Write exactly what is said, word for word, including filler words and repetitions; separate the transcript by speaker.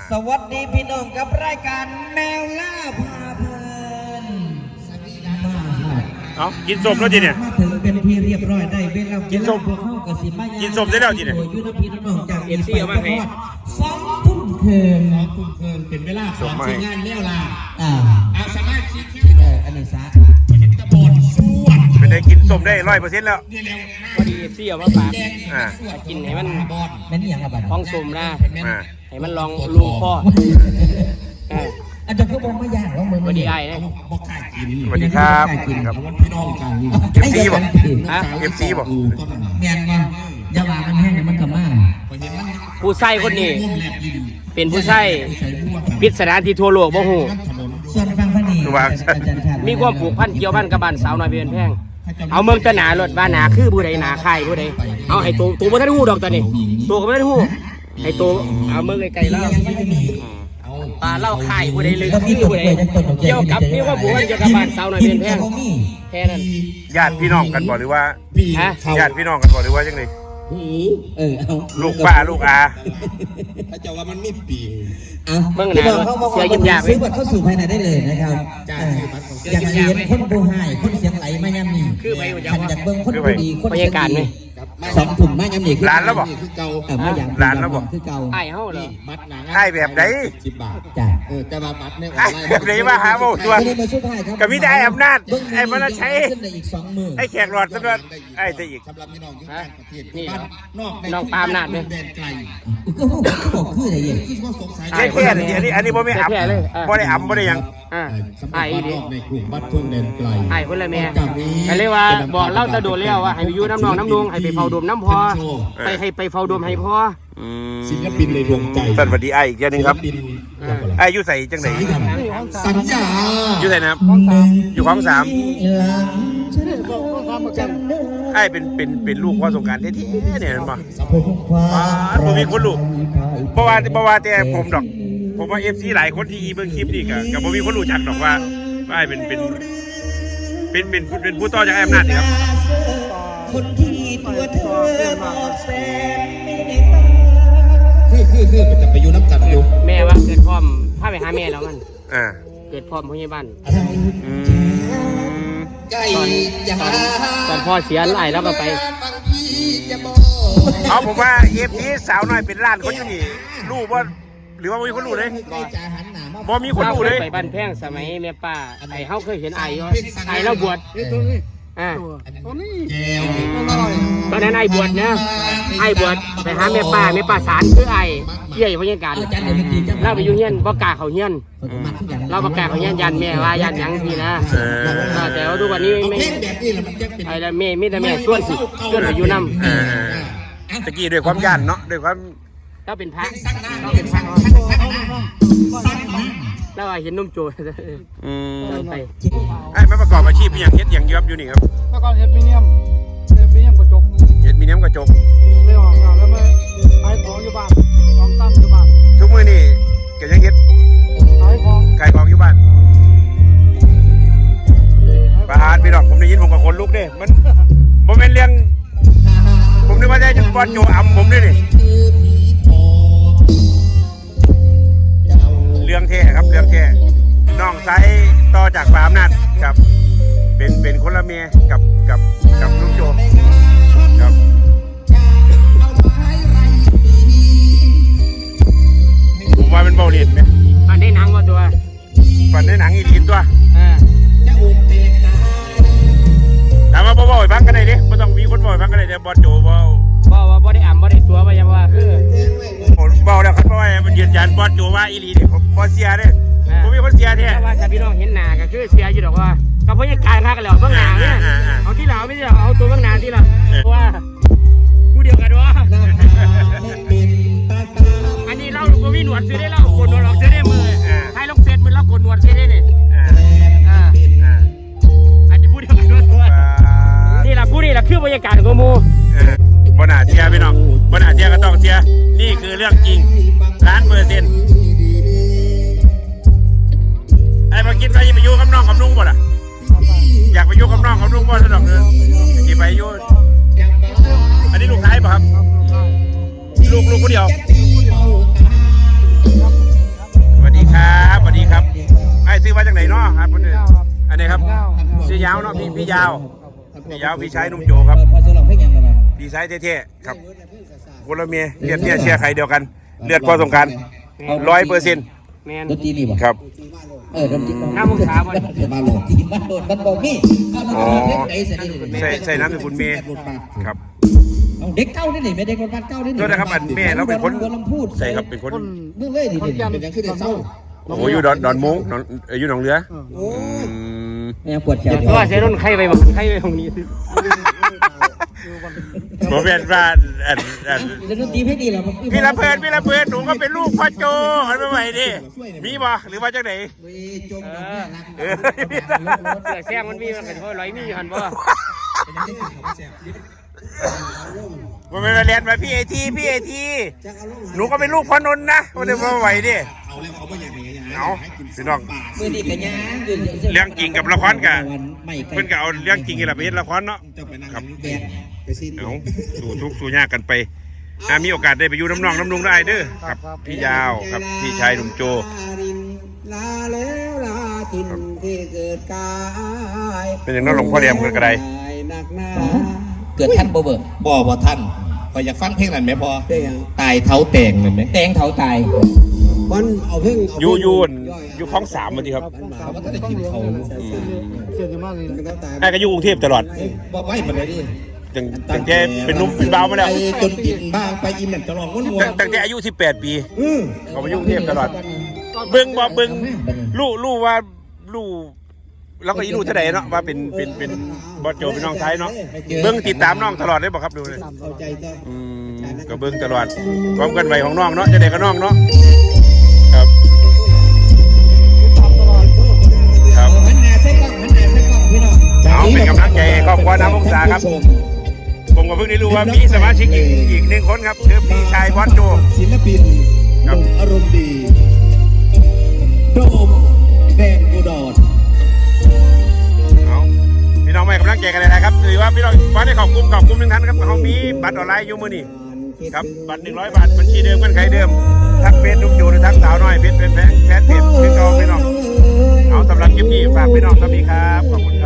Speaker 1: สวัสดีพี่น้องกับรายการแมวล่าพาเพลิน
Speaker 2: เอากินส้มแล้วจีเนี่ย
Speaker 1: มาถึงเป็นที่เรียบร้อยได้เวลา
Speaker 2: กินส้มกินส้มได้แล้วจีเนี่ย
Speaker 1: ยูนพีน้องจากเอฟซีเอามาให้สองทุ่มเคินสองทุ่มเคินเป็นเวลาของทีมงานแมวล่าอ่าเอาสามารถคิดเอออันนี้ซะตะบนสวด
Speaker 2: เป็นได้กินส้มได้ร้อยเปอร์เซ็นต์แล้ว
Speaker 3: พอดีเอฟซีเอามาฝาก
Speaker 2: อ่า
Speaker 3: กินให้มัน
Speaker 1: แม่นี่อย่างไรบ้าง
Speaker 3: ท้องส้มนะ
Speaker 2: อ่า
Speaker 3: ให้มันลองลูกพ่อ
Speaker 1: อาจารย์ก็บอกไม่ยากหรอกมึง
Speaker 3: สวัสดีไอ้นะ
Speaker 2: สวัสดีครับครับเอฟซีบอก
Speaker 3: ฮะ
Speaker 2: เอฟซีบอก
Speaker 1: เมียนมาอย่าว่ามันแห้งมันกระม่า
Speaker 3: ผู้ใส่คนนี้เป็นผู้ใส่พิศดารที่ทั่วโลกบ่ฮู้
Speaker 1: ส่วนฟังพนี
Speaker 3: มีความผูกพันเกี่ยวพันกับบ้านสาวน้อยเพียนแพงเอาเมืองตะหนารถบ้านหนาคือผู้ใดหนาใครผู้ใดเอาให้ตัวตัวบ่ทันฮู้ดอกตอนนี้ตัวก็บ่ทันฮู้ให้ตัวเอาเมืองไกลๆแล้วปลาเล่าไข่ผู้ใดเลยคือผู้ใดเกี่ยวกับมีว่าผู้เกี่ยวกับบ้านสาวน้อยเพียนแพงแค่นั้น
Speaker 2: ญาติพี่น้องกันบ่หรือว่า
Speaker 3: ฮะ
Speaker 2: ญาติพี่น้องกันบ่หรือว่าจังได๋
Speaker 1: เออเอา
Speaker 2: ลูกป้าลูกอา
Speaker 4: ถ้าจะว่ามันมีปีง
Speaker 1: อ่ะเมื่อไหร่เสียยิ้มยากซื้อบัตรเข้าสู่ภายในได้เลยนะครับอยากเรียนคนผู้ให้คนเสียงไหลไม่ย่ำนี่ขันจากเบิ้งคนผู้ดีคนเสียงดีสองถุงไม่ย่ำนี่คือ
Speaker 2: ร้านแล้วบ่
Speaker 1: ร้านแล้วบ่คือเก่า
Speaker 3: ไอ้เฮาเหรอ
Speaker 2: ไอ้แบบไหน
Speaker 4: สิบบาท
Speaker 1: จ้ะ
Speaker 4: เออแต่ว่าบัตรเนี่ย
Speaker 2: แบบไหนมาหาบ่ตัวกับมีได้อำนาจไอ้มันใช้ไอ้แขกหลอดซะด้วยไอ้จะอีก
Speaker 4: สำหรับพี่น้องอยู่ต่างประเทศ
Speaker 3: นี่
Speaker 4: นอก
Speaker 3: น้องปามนาดเลย
Speaker 1: ก็บอกคืออะไรอย่าง
Speaker 2: แค่แค่นี้อันนี้อันนี้บ่ไม่อับบ่ได้อับบ่ได้ยัง
Speaker 3: อ่าไอ้ดิ
Speaker 4: ในกลุ่มบัตรทุ่งแดนไกล
Speaker 3: ไอ้คนละแม่ก็เลยว่าบอกเล่าตะโดดแล้วว่าให้อยู่น้ำนองน้ำนุงให้ไปเฝ้าดมน้ำพอไปให้ไปเฝ้าดมให้พอ
Speaker 4: ศิลปินในดวงใจ
Speaker 2: สวัสดีไอ้อีกอย่างนึงครับไอ้อยู่ใส่จังไหน
Speaker 4: สัญญา
Speaker 2: อยู่ใส่นะครับอยู่ของสามไอ้เป็นเป็นเป็นลูกพ่อสงการที่เนี่ยมันบ่ผมมีคนลูกเพราะว่าเพราะว่าแต่ผมดอกผมว่าเอฟซีหลายคนที่เบิ่งคลิปนี่ก็กับผมมีคนรู้จักดอกว่าไอ้เป็นเป็นเป็นเป็นเป็นผู้ต่อจากไอ้อำนาจครับ
Speaker 1: คนที่ตัวเธอบอกแสน
Speaker 4: คือคือคือมันจะไปอยู่น้ำกันอยู่
Speaker 3: แม่ว่าเกิดพร้อมพาไปหาแม่แล้วมัน
Speaker 2: อ่า
Speaker 3: เกิดพร้อมพยาบาล
Speaker 4: ใกล้
Speaker 3: จะตอนพ่อเสียไอ้แล้วก็ไป
Speaker 2: เอาผมว่าเอฟซีสาวน้อยเป็นล้านคนอยู่นี่รู้ว่าหรือว่ามีคนรู้เลยบ่มีคนรู้เลย
Speaker 3: ไปบ้านแพงสมัยแม่ป้าไอ้เฮาเคยเห็นไอ้ไอ้เราบวชอ่าตอนนั้นไอ้บวชนะไอ้บวชไปหาแม่ป้าแม่ป้าสารคือไอ้เยี่ยพยาการเราไปอยู่เฮียนบ่กล้าเข้าเฮียนเราบ่กล้าเข้าเฮียนยันแม่ว่ายันหยังพี่นะแต่ว่าทุกวันนี้ไม่ไอ้ละแม่มีแต่แม่ชวนสิชวนไปอยู่นำ
Speaker 2: ตะกี้ด้วยความย่านเนาะด้วยความ
Speaker 3: เราเป็นพระเราเป็นพระแล้วเห็นนุ่มโจ
Speaker 2: อืมไปไอ้ไม่ประกอบอาชีพอย่างเฮ็ดอย่างเยอะอยู่นี่ครับ
Speaker 5: ประกอบเฮ็ดมิเนียมเฮ็ดมิเนียมกระจก
Speaker 2: เฮ็ดมิเนียมกระจก
Speaker 5: ไม่ออกแล้วมาขายของอยู่บ้านของตั้มอยู่บ้าน
Speaker 2: ทุกมื้อนี่ก็ยังเฮ็ด
Speaker 5: ขายของ
Speaker 2: ขายของอยู่บ้านประหารพี่น้องผมได้ยินผมกับคนลุกเด้มันบ่แม่นเรื่องผมนึกว่าจะบอลโจอ่ำผมด้วยนี่เรื่องแท้ครับเรื่องแท้น้องไซต่อจากปาอำนาจกับเป็นเป็นคนละเมียกับกับกับลูกโจครับผมว่าเป็นเบาเลียนไหม
Speaker 3: ฝันได้หนังมาตัว
Speaker 2: ฝันได้หนังอีลีนตัวถามว่าบ่บ่อยฟังกันได้ดิไม่ต้องมีคนบ่อยฟังกันได้เดี๋ยวบอลโจบ่
Speaker 3: บ่ว่าบ่ได้อ่ำบ่ได้ตัวว่ายังว่าคือ
Speaker 2: ผมบอกแล้วครับเพราะว่ามันยืนยันบอลโจว่าอีลีเนี่ยผมบอลเสียเนี่ยผมมีคนเสียแท้
Speaker 3: ว่าถ้าพี่น้องเห็นหน้าก็คือเสียอยู่ดอกว่ากับพยาการค้ากันแล้วเบื้องหน้าเนี่ยเอาที่เราไม่ใช่เอาตัวเบื้องหน้าที่เราว่าผู้เดียวกันวะอันนี้เราตัวมีหนวดซื้อได้เราโกนหนวดออกซื้อได้มือให้ลงเซตมือเราโกนหนวดซื้อได้เนี่ยอันนี้ผู้เดียวกันด้วยนี่แหละผู้นี่แหละคือบรรยากาศของมู
Speaker 2: บนหาเสียพี่น้องบนหาเสียก็ต้องเสียนี่คือเรื่องจริงล้านเปอร์เซ็นต์ไอ้มากินไปไปอยู่กับน้องกับลุงบ่ล่ะอยากไปอยู่กับน้องกับลุงบ่สะดอกเนื้อกี่ไปอยู่อันนี้ลูกชายป่ะครับลูกลูกคนเดียวซื้อมาจากไหนเนาะครับ
Speaker 5: เก้าครับ
Speaker 2: อันนี้ครับ
Speaker 5: เก้า
Speaker 2: ชื่อยาวเนาะพี่พี่ยาวพี่ยาวพี่ชายนุ่มโจครับ
Speaker 1: พอสลองเพลงยังไงบ้าง
Speaker 2: พี่ชายเท่ๆครับคนละเมียเลือดเนี่ยเชียร์ใครเดียวกัน เลือดพอสงการร้อยเปอร์เซ็นต์
Speaker 3: แมน
Speaker 1: ดนตรีนี่บ่
Speaker 2: ครับ
Speaker 1: เออดนตรี
Speaker 3: ห้าโมงเช้าวัน
Speaker 1: เดี๋ยวมาโหลดทีมาโหลดมันบอกนี่เอาดนตรีเพลงไหนเสร็จนี่
Speaker 2: ใส่ใส่น้ำเป็นคุณเมย์ครับ
Speaker 1: เอาเด็กเก้าได้หนิไม่เด็กคนบ้านเก้าได้หนิ
Speaker 2: โทษนะครับอันแม่เราเป็นคน
Speaker 1: ลำพูด
Speaker 2: ใส่ครับเป็นคน
Speaker 1: เมื่อเลยดิ
Speaker 5: คนแก่น
Speaker 4: เป็นยังขึ้นเศร้า
Speaker 2: โอ้โหอยู่ดอนดอนมุ้งดอนเอ่ออยู่หนองเรือ
Speaker 4: โอ้ย
Speaker 2: อืม
Speaker 1: แม่ปวดแขน
Speaker 3: เพราะว่าเซรุ่นไข่ไปหมดไข่ไปตรงนี้
Speaker 2: ผมเป็นบ้านอันอัน
Speaker 1: เล่นดนตรีเพลงดีเหรอ
Speaker 2: พี่ละเพินพี่ละเพินหนูก็เป็นลูกพ่อโจอันไม่ไหวดิมีบ่หรือว่าจังไหน
Speaker 1: จมดอกเนี่ยรัก
Speaker 2: เออ
Speaker 3: เสือแซงมันมีมันก็ร้อยมีหันบ่
Speaker 2: มันเป็นเรียนมาพี่ไอทีพี่ไอทีหนูก็เป็นลูกพ่อนนท์นะวันเดียวไม่ไหวดิ
Speaker 4: เอาแล้วเขาไม่อยากเห็นอย่าง
Speaker 2: เอาพี่น้อง
Speaker 1: มือดีกันยัง
Speaker 2: เรื่องจริงกับละครกะ
Speaker 1: ไม่ไกล
Speaker 2: เพิ่นก็เอาเรื่องจริงนี่แหละไปเฮ็ดละครเนาะ
Speaker 4: จะไปนั่ง
Speaker 2: ครับ
Speaker 4: แกะไปซีด
Speaker 2: เอาสู่ทุกข์สู่ยากกันไปอ่ามีโอกาสได้ไปอยู่น้ำนองน้ำนุงได้เด้อครับพี่ยาวครับพี่ชายหนุ่มโจ
Speaker 4: ลาแล้วลาทินที่เกิดกาย
Speaker 2: เป็นอย่างนั้นหลวงพ่อเรียมเกิดกระได
Speaker 4: หนักหนา
Speaker 1: เกิดท่านโบเบิร์
Speaker 4: บ่บ่ท่านพออยากฟังเพลงนั้นไหมพอตายเท้าแตงเลยไหม
Speaker 1: แตงเถาตาย
Speaker 4: มันเอาเพลง
Speaker 2: อยู่อยู่อั่นอยู่คลองสามวันทีครับ
Speaker 4: เขาก็ได้กินเขา
Speaker 5: เสียจะมากเลย
Speaker 2: ไอ้ก็อยู่กรุงเทพตลอด
Speaker 4: บอกไว้มาเลยดิ
Speaker 2: ตั้งตั้งแต่เป็นหนุ่มเป็นบ่าวมาแล้ว
Speaker 4: จนกินบ้างไปอินนั่นตลอดม้วนม้ว
Speaker 2: ตั้งตั้งแต่อายุสิบแปดปี
Speaker 4: อือ
Speaker 2: เขามาอยู่กรุงเทพตลอด เบิ่งบ่เบิ่งรู้รู้ว่ารู้เราก็อีรู้เท่าใดเนาะว่าเป็นเป็นเป็นบอสโจเป็นน้องชายเนาะเบิ่งติดตามน้องตลอดเลยบ่ครับดูเลย
Speaker 4: เข้าใจจ้ะ
Speaker 2: อืมก็เบิ่งตลอดความกันไหวของน้องเนาะจะได้กับน้องเนาะครับครับ
Speaker 1: หันหน้าใส่กล้องหันหน้าใส่กล้องพี่น้อง
Speaker 2: เอาเป็นกำลังใจให้ครอบครัวน้ำวงศาครับ ผมก็เพิ่งได้รู้ว่ามีสมาชิกอีกอีกหนึ่งคนครับคือพี่ชายบอสโจ
Speaker 4: ศิลปิน
Speaker 2: ครับ
Speaker 4: อารมณ์ดีโดมแดงอุดร
Speaker 2: เอาพี่น้องไม่กำลังใจกันเลยนะครับถือว่าพี่น้องฟ้าได้ขอบคุณขอบคุณทุกท่านครับเขามีบัตรออนไลน์อยู่มือนี่ครับบัตรหนึ่งร้อยบาทบัญชีเดิมกันใครเดิมทักเฟซนุ่มโจหรือทักสาวน้อยเพจเป็นแฟนเพจพี่น้องพี่น้องเอาสำหรับคลิปนี้ฝากพี่น้องสวัสดีครับขอบคุณ